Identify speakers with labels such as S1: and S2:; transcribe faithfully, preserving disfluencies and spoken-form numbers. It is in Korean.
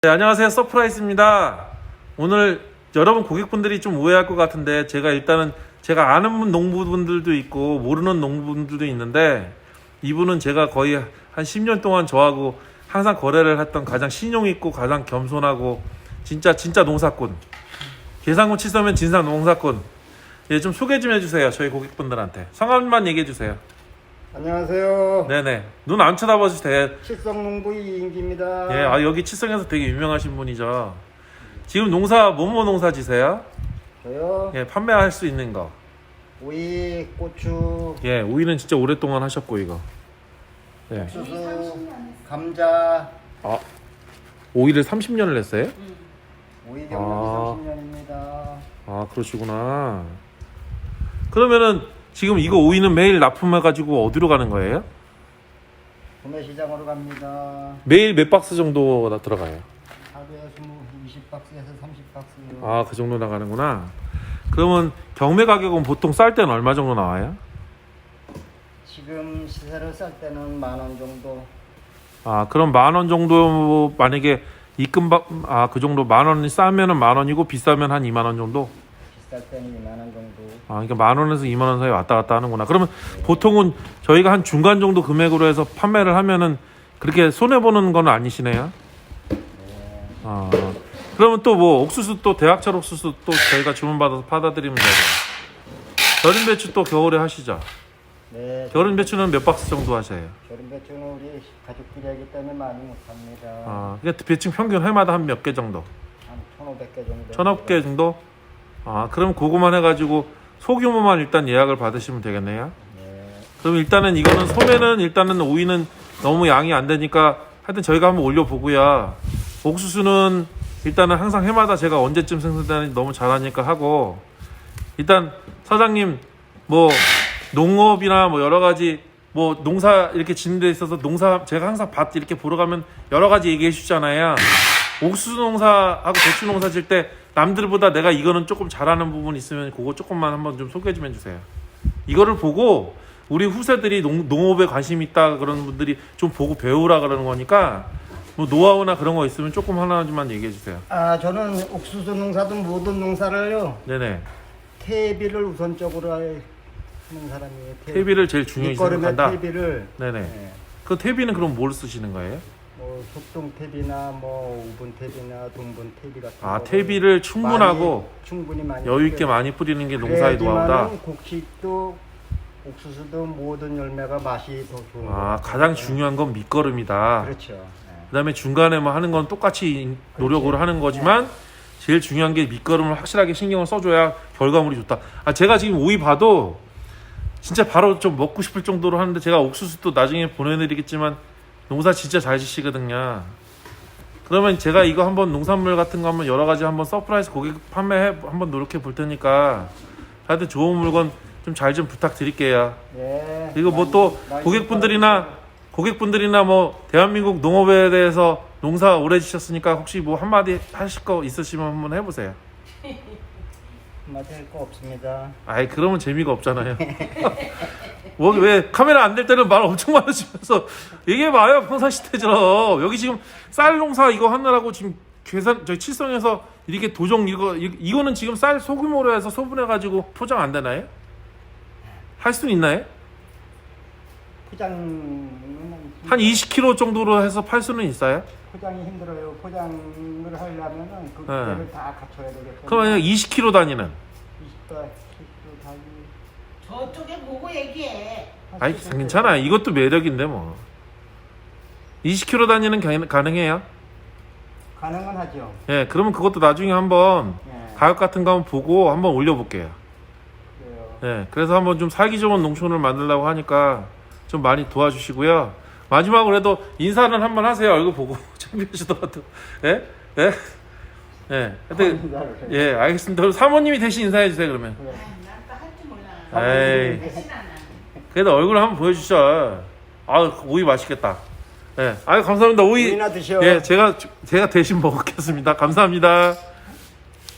S1: 네, 안녕하세요. 서프라이즈입니다. 오늘 여러분 고객분들이 좀 오해할 것 같은데 제가 일단은 제가 아는 농부분들도 있고 모르는 농부분들도 있는데 이분은 제가 거의 한 십 년 동안 저하고 항상 거래를 했던 가장 신용 있고 가장 겸손하고 진짜 진짜 농사꾼, 계산군 치서면 진상 농사꾼. 예, 좀 소개 좀 해주세요. 저희 고객분들한테 성함만 얘기해 주세요.
S2: 안녕하세요.
S1: 네네. 눈 안 쳐다봐 주세요.
S2: 칠성농부 이인기입니다.
S1: 예, 아 여기 칠성에서 되게 유명하신 분이죠. 지금 농사 뭐뭐 농사 지세요?
S2: 저요.
S1: 예, 판매할 수 있는 거.
S2: 오이, 고추,
S1: 예, 오이는 진짜 오랫동안 하셨고 이거. 예.
S2: 옥수수, 감자.
S1: 아, 오이를 삼십 년을 했어요?
S2: 오이
S1: 아.
S2: 경력이 삼십 년입니다.
S1: 아, 그러시구나. 그러면은 지금 이거 오이는 매일 납품해가지고 어디로 가는 거예요?
S2: 구매시장으로 갑니다.
S1: 매일 몇 박스 정도 나 들어가요?
S2: 하루에 이십 박스에서 삼십 박스.
S1: 아, 그 정도 나가는구나. 그러면 경매 가격은 보통 쌀 때는 얼마 정도 나와요?
S2: 지금 시세를 쌀 때는 만 원 정도.
S1: 아, 그럼 만 원 정도 만약에 입금 받, 아, 그 정도 만 원이 싸면은 만 원이고 비싸면 한 이만 원 정도?
S2: 비쌀 때는 이만 원 정도.
S1: 아, 그러니까 만 원에서 이만 원 사이 왔다 갔다 하는구나. 그러면 네. 보통은 저희가 한 중간 정도 금액으로 해서 판매를 하면은 그렇게 손해 보는 건 아니시네요.
S2: 네.
S1: 아, 그러면 또 뭐 옥수수 또 대학철 옥수수 또 저희가 주문 받아서 받아드리면 되고. 절임 배추 또 겨울에 하시죠?
S2: 네.
S1: 절임 배추는 몇 박스 정도 하셔요?
S2: 절임 배추는 우리 가족끼리 하기 때문에 많이 못 삽니다.
S1: 아, 그러니까 배추 평균 해마다 한 몇 개 정도?
S2: 한 천오백 개 정도.
S1: 천억 개 정도? 아, 그럼 그거만 해가지고 소규모만 일단 예약을 받으시면 되겠네요.
S2: 네.
S1: 그럼 일단은 이거는 소매는 일단은 오이는 너무 양이 안 되니까 하여튼 저희가 한번 올려보고요. 옥수수는 일단은 항상 해마다 제가 언제쯤 생산되는지 너무 잘하니까 하고, 일단 사장님 뭐 농업이나 뭐 여러 가지 뭐 농사 이렇게 짓는 데 있어서 농사 제가 항상 밭 이렇게 보러 가면 여러 가지 얘기해 주잖아요. 옥수수 농사하고 배추 농사 질 때 남들보다 내가 이거는 조금 잘하는 부분 있으면 그거 조금만 한번 좀 소개 좀 해주세요. 이거를 보고 우리 후세들이 농, 농업에 관심 있다 그런 분들이 좀 보고 배우라 그러는 거니까 뭐 노하우나 그런 거 있으면 조금 하나만 얘기해 주세요.
S2: 아, 저는 옥수수 농사든 모든 농사를요.
S1: 네네.
S2: 퇴비를 우선적으로 하는 사람이에요. 퇴비.
S1: 퇴비를 제일 중요히 생각한다.
S2: 퇴비를.
S1: 네네.
S2: 네.
S1: 그 퇴비는 그럼 뭘 쓰시는 거예요?
S2: 뭐 속동 퇴비나 뭐 우분 퇴비나 동분 퇴비 같은
S1: 아,
S2: 거를
S1: 퇴비를 충분하고
S2: 많이, 충분히 많이
S1: 여유 있게 많이 뿌리는 게 농사의 노하우다.
S2: 그래야지만은 곡식도 옥수수도 모든 열매가 맛이 더 좋은
S1: 아,
S2: 거예요.
S1: 가장 중요한 건 밑거름이다.
S2: 그렇죠. 네.
S1: 그다음에 중간에 뭐 하는 건 똑같이 노력으로 하는 거지만 제일 중요한 게 밑거름을 확실하게 신경을 써줘야 결과물이 좋다. 아, 제가 지금 오이 봐도 진짜 바로 좀 먹고 싶을 정도로 하는데 제가 옥수수 또 나중에 보내드리겠지만 농사 진짜 잘 지시거든요. 그러면 제가 이거 한번 농산물 같은 거 한번 여러 가지 한번 서프라이즈 고객 판매해 한번 노력해 볼 테니까 하여튼 좋은 물건 좀 잘 좀 부탁드릴게요.
S2: 네.
S1: 그리고 뭐 또 고객분들이나 고객분들이나 뭐 대한민국 농업에 대해서 농사 오래 지셨으니까 혹시 뭐 한마디 하실 거 있으시면 한번 해보세요.
S2: 한마디 할 거 없습니다.
S1: 아이, 그러면 재미가 없잖아요. 뭐 왜 카메라 안 될 때는 말 엄청 많으시면서 얘기해봐요. 평상시대처럼. 여기 지금 쌀 농사 이거 하느라고 지금 계산 저희 칠성에서 이렇게 도정 이거 이, 이거는 지금 쌀 소규모로 해서 소분해가지고 포장 안 되나요? 할 수는 있나요?
S2: 포장은
S1: 한 이십 킬로그램 정도로 해서 팔 수는 있어요?
S2: 포장이 힘들어요. 포장을 하려면은 그
S1: 네.
S2: 기계를 다 갖춰야 되겠어요.
S1: 그럼 만약 이십 킬로그램 단위는?
S2: 이십 킬로그램 단위.
S3: 저쪽에 보고 얘기해.
S1: 아이, 괜찮아. 이것도 매력인데 뭐. 이십 킬로그램 단위는 가- 가능해요?
S2: 가능은 하죠.
S1: 예, 그러면 그것도 나중에 한번
S2: 예.
S1: 가격 같은 거 한번 보고 한번 올려볼게요.
S2: 그래요.
S1: 예, 그래서 한번 좀 살기 좋은 농촌을 만들려고 하니까 좀 많이 도와주시고요. 마지막으로 해도 인사는 한번 하세요. 얼굴 보고 창피하시더라도. 예? 예? 예. 하여튼, 예, 알겠습니다. 그럼 사모님이 대신 인사해 주세요, 그러면.
S3: 난 또 할 줄 몰라.
S1: 에이,
S3: 대신 안 해.
S1: 그래도 얼굴 한번 보여주셔. 아, 오이 맛있겠다. 예, 아유, 감사합니다. 오이.
S2: 오이나 드셔.
S1: 예, 제가, 제가 대신 먹겠습니다. 감사합니다.